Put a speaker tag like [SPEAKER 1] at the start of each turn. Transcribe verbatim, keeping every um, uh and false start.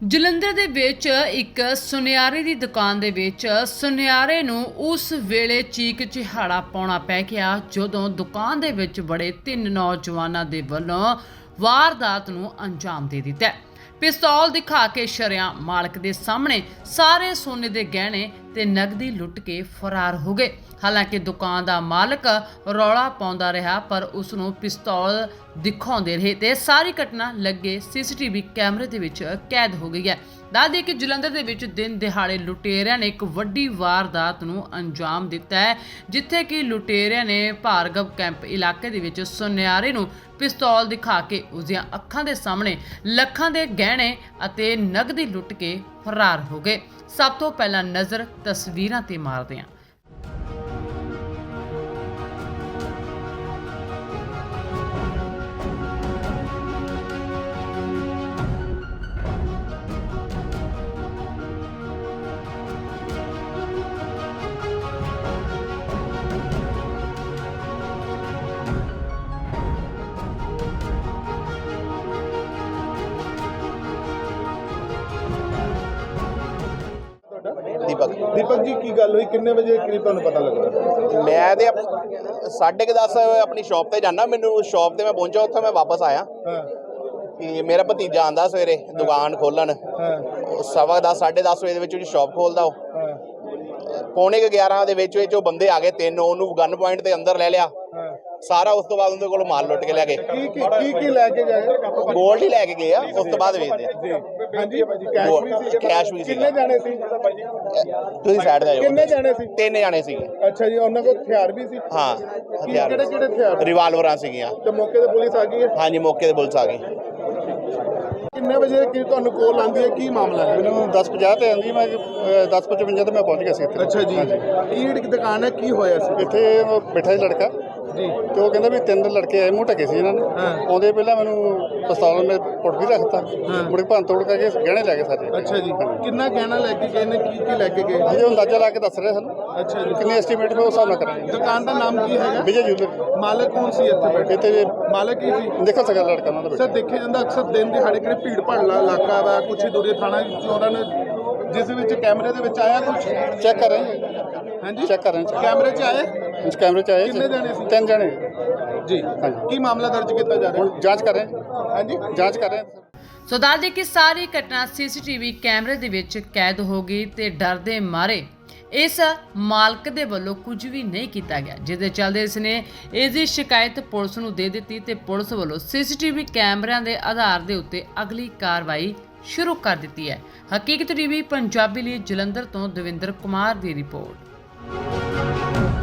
[SPEAKER 1] ਜਲੰਧਰ ਦੇ ਵਿੱਚ ਇੱਕ ਸੁਨਿਆਰੇ ਦੀ ਦੁਕਾਨ ਦੇ ਵਿੱਚ ਸੁਨਿਆਰੇ ਨੂੰ ਉਸ ਵੇਲੇ ਚੀਕ ਚਿਹਾੜਾ ਪਾਉਣਾ ਪੈ ਗਿਆ ਜਦੋਂ ਦੁਕਾਨ ਦੇ ਵਿੱਚ ਬੜੇ ਤਿੰਨ ਨੌਜਵਾਨਾਂ ਦੇ ਵੱਲੋਂ ਵਾਰਦਾਤ ਨੂੰ ਅੰਜਾਮ ਦੇ ਦਿੱਤਾ। ਪਿਸਤੌਲ ਦਿਖਾ ਕੇ ਸ਼ਰੇਆਮ ਮਾਲਕ ਦੇ ਸਾਹਮਣੇ ਸਾਰੇ ਸੋਨੇ ਦੇ ਗਹਿਣੇ ਤੇ ਨਕਦੀ ਲੁੱਟ ਕੇ ਫਰਾਰ ਹੋ ਗਏ। ਹਾਲਾਂਕਿ ਦੁਕਾਨ ਦਾ ਮਾਲਕ ਰੌਲਾ ਪਾਉਂਦਾ ਰਿਹਾ ਪਰ ਉਸ ਨੂੰ ਪਿਸਤੌਲ ਦਿਖਾਉਂਦੇ ਰਹੇ ਤੇ ਸਾਰੀ ਘਟਨਾ ਲੱਗੇ ਸੀਸੀਟੀਵੀ ਕੈਮਰੇ ਦੇ ਵਿੱਚ ਕੈਦ ਹੋ ਗਈ ਹੈ। ਦੱਸ ਦਈਏ ਕਿ ਜਲੰਧਰ ਦੇ ਵਿੱਚ ਦਿਨ ਦਿਹਾੜੇ ਲੁਟੇਰਿਆਂ ਨੇ ਇੱਕ ਵੱਡੀ ਵਾਰਦਾਤ ਨੂੰ ਅੰਜਾਮ ਦਿੱਤਾ ਹੈ, ਜਿੱਥੇ ਕਿ ਲੁਟੇਰਿਆਂ ਨੇ ਭਾਰਗਵ ਕੈਂਪ ਇਲਾਕੇ ਦੇ ਵਿੱਚ ਸੁਨਿਆਰੇ ਨੂੰ ਪਿਸਤੌਲ ਦਿਖਾ ਕੇ ਉਸਦੀਆਂ ਅੱਖਾਂ ਦੇ ਸਾਹਮਣੇ ਲੱਖਾਂ ਦੇ ਗਹਿਣੇ ਅਤੇ ਨਕਦੀ ਲੁੱਟ ਕੇ ਫਰਾਰ ਹੋ ਗਏ। ਸਭ ਤੋਂ ਪਹਿਲਾਂ ਨਜ਼ਰ ਤਸਵੀਰਾਂ ਤੇ ਮਾਰਦੇ ਹਾਂ।
[SPEAKER 2] दीपक
[SPEAKER 3] दीपक जी की गल हुई किन्ने बजे करीब तुहानू पता लगा?
[SPEAKER 2] मैं ते साढ़े के दस अपनी शॉप ते जाना, मैनू शॉप ते मैं पहुंचा, उत्थे मैं वापस आया
[SPEAKER 3] हाँ
[SPEAKER 2] कि मेरा भतीजा आंदा सवेरे दुकान खोलन
[SPEAKER 3] हाँ
[SPEAKER 2] सवा दस साढ़े दस बजे दे विच ओहदी शॉप खोलदा ਉਹ
[SPEAKER 3] हाँ
[SPEAKER 2] पौने के ग्यारह ਦੇ ਵਿੱਚ ਵਿੱਚ ਉਹ ਬੰਦੇ ਆ ਗਏ ਤਿੰਨ, ਉਹਨੂੰ ਗਨ ਪੁਆਇੰਟ ਤੇ ਅੰਦਰ ਲੈ ਲਿਆ
[SPEAKER 3] हाँ
[SPEAKER 2] ਸਾਰਾ। ਉਸ ਤੋਂ ਬਾਅਦ ਉਹਦੇ ਕੋਲ ਮਾਲ ਲੁੱਟ ਕੇ ਲੈ ਗਏ।
[SPEAKER 3] की की की की लेके गए?
[SPEAKER 2] ਗੋਲਡ ਹੀ ਲੈ ਕੇ ਗਏ ਆ, ਉਸ ਤੋਂ ਬਾਅਦ ਵੇਚਦੇ ਆ।
[SPEAKER 3] जी हाँ जी कैश भी सी?
[SPEAKER 2] कैश भी
[SPEAKER 3] किन्ने
[SPEAKER 2] सीगा।
[SPEAKER 3] जाने सी?
[SPEAKER 2] ਤੁਸੀਂ ਸਾਈਡ ਤੇ
[SPEAKER 3] किन्ने
[SPEAKER 2] ਜਾਓ।
[SPEAKER 3] जाने सी?
[SPEAKER 2] ਤਿੰਨ ਜਾਣੇ ਸੀਗੇ।
[SPEAKER 3] अच्छा जी ਉਹਨਾਂ ਕੋਲ ਹਥਿਆਰ ਵੀ ਸੀ?
[SPEAKER 2] ਹਾਂ
[SPEAKER 3] ਕਿਹੜੇ
[SPEAKER 2] ਹਥਿਆਰ
[SPEAKER 3] ਕਿਹੜੇ ਹਥਿਆਰ?
[SPEAKER 2] ਰਿਵਾਲਵਰਾਂ ਸੀਗੀਆਂ।
[SPEAKER 3] ਤੇ ਮੌਕੇ ਤੇ ਪੁਲਿਸ ਆ ਗਈ ਹੈ?
[SPEAKER 2] ਹਾਂਜੀ ਮੌਕੇ ਤੇ ਪੁਲਿਸ ਆ ਗਈ।
[SPEAKER 3] ਕਿੰਨੇ ਵਜੇ ਕੀ ਤੁਹਾਨੂੰ ਕੋਲ ਆਂਦੀ ਹੈ, ਕੀ ਮਾਮਲਾ ਹੈ?
[SPEAKER 4] ਮੈਨੂੰ ਦਸ ਪੰਜਾਹ ਤੇ ਆਂਦੀ, ਮੈਂ ਦਸ ਪਚਵੰਜਾ ਤੇ ਮੈਂ ਪਹੁੰਚ ਗਿਆ ਸੀ ਇੱਥੇ।
[SPEAKER 3] ਅੱਛਾ ਜੀ ਕੀ ਜਿਹੜੀ ਦੁਕਾਨ ਹੈ, ਕੀ ਹੋਇਆ ਸੀ
[SPEAKER 4] ਇੱਥੇ ਉਹ ਬੈਠਾ ਸੀ ਲੜਕਾ
[SPEAKER 3] ਜੀ?
[SPEAKER 4] ਤੇ ਉਹ ਕਹਿੰਦਾ ਵੀ ਤਿੰਨ ਲੜਕੇ ਆਏ, ਮੂੰਹ ਢਕੇ ਸੀ ਇਹਨਾਂ ਨੇ।
[SPEAKER 3] ਹਾਂ।
[SPEAKER 4] ਆਉਂਦੇ ਪਹਿਲਾਂ ਮੈਨੂੰ ਪਿਸਤੌਲ ਮੇ ਪੁੱਟ ਵੀ ਰੱਖਤਾ,
[SPEAKER 3] ਹਾਂ।
[SPEAKER 4] ਮੁੜ ਕੇ ਭੰਨ ਤੋੜ ਕਰਕੇ ਗਹਿਣੇ ਲੈ ਗਏ ਸਾਰੇ।
[SPEAKER 3] ਅੱਛਾ ਜੀ ਕਿੰਨਾ ਗਹਿਣਾ ਲੈ ਕੇ ਗਏ ਨੇ, ਕੀ ਕੀ ਲੈ ਕੇ ਗਏ?
[SPEAKER 4] ਹਜੇ ਅੰਦਾਜ਼ਾ ਲਾ ਕੇ ਦੱਸ ਰਹੇ ਸਾਨੂੰ,
[SPEAKER 3] ਅੱਛਾ ਜੀ
[SPEAKER 4] ਕਿੰਨੇ ਐਸਟੀਮੇਟ ਮੈਂ ਉਸ ਹਿਸਾਬ ਨਾਲ ਕਰਾਂਗੇ।
[SPEAKER 3] ਦੁਕਾਨ ਦਾ ਨਾਮ ਕੀ ਹੈਗਾ?
[SPEAKER 4] ਵਿਜੇ ਜੂਲਰ।
[SPEAKER 3] ਮਾਲਕ ਕੌਣ ਸੀ ਇੱਥੇ ਬੈਠੇ?
[SPEAKER 4] ਇੱਥੇ
[SPEAKER 3] ਮਾਲਕ ਕੀ ਸੀ?
[SPEAKER 4] ਨਿਕਲ ਸਕਦਾ ਲੜਕਾ ਉਹਨਾਂ ਦਾ
[SPEAKER 3] ਸਰ
[SPEAKER 4] ਬੇਟਾ।
[SPEAKER 3] ਦੇਖਿਆ ਜਾਂਦਾ ਅਕਸਰ ਦਿਨ ਦਿਹਾੜੇ ਕਿਹੜੇ ਭੀੜ ਭਾੜਲਾ ਇਲਾਕਾ ਵਾ, ਕੁਛ ਹੀ ਦੂਰੇ ਥਾਣਾ ਚੋਰਾਂ ਨੇ ਜਿਸ ਵਿੱਚ ਕੈਮਰੇ ਦੇ ਵਿੱਚ ਆਇਆ ਕੁਛ?
[SPEAKER 4] ਚੈੱਕ ਕਰ ਰਹੇ ਹਾਂ,
[SPEAKER 3] ਹਾਂਜੀ
[SPEAKER 4] ਚੈੱਕ ਕਰ ਰਹੇ ਹਾਂ।
[SPEAKER 3] ਕੈਮਰੇ 'ਚ ਆਏ?
[SPEAKER 4] ਇਸ ਕੈਮਰੇ 'ਚ ਆਏ
[SPEAKER 3] ਕਿੰਨੇ ਜਾਣੇ ਸੀ?
[SPEAKER 4] ਤਿੰਨ ਜਣੇ।
[SPEAKER 3] ਜੀ
[SPEAKER 4] ਹਾਂਜੀ।
[SPEAKER 3] ਕੀ ਮਾਮਲਾ ਦਰਜ ਕੀਤਾ ਜਾ ਰਿਹਾ?
[SPEAKER 4] ਹੁਣ ਜਾਂਚ ਕਰ ਰਹੇ ਹਾਂ,
[SPEAKER 3] ਹਾਂਜੀ
[SPEAKER 4] ਜਾਂਚ ਕਰ ਰਹੇ ਹਾਂ।
[SPEAKER 1] ਸੋ ਦੱਸ ਦਈਏ ਕਿ ਸਾਰੀ ਘਟਨਾ ਸੀਸੀਟੀਵੀ ਕੈਮਰੇ ਦੇ ਵਿੱਚ ਕੈਦ ਹੋ ਗਈ ਤੇ ਡਰ ਦੇ ਮਾਰੇ ਇਸ ਮਾਲਕ ਦੇ ਵੱਲੋਂ ਕੁਝ ਵੀ ਨਹੀਂ ਕੀਤਾ ਗਿਆ, ਜਿਸ ਦੇ ਚੱਲਦੇ ਇਸ ਨੇ ਇਸ ਦੀ ਸ਼ਿਕਾਇਤ ਪੁਲਿਸ ਨੂੰ ਦੇ ਦਿੱਤੀ ਤੇ ਪੁਲਿਸ ਵੱਲੋਂ ਸੀਸੀਟੀਵੀ ਕੈਮਰਿਆਂ ਦੇ ਆਧਾਰ ਦੇ ਉੱਤੇ ਅਗਲੀ ਕਾਰਵਾਈ ਸ਼ੁਰੂ ਕਰ ਦਿੱਤੀ ਹੈ। ਹਕੀਕਤ ਟੀਵੀ ਪੰਜਾਬੀ ਲਈ ਜਲੰਧਰ ਤੋਂ ਦਵਿੰਦਰ ਕੁਮਾਰ ਦੀ ਰਿਪੋਰਟ।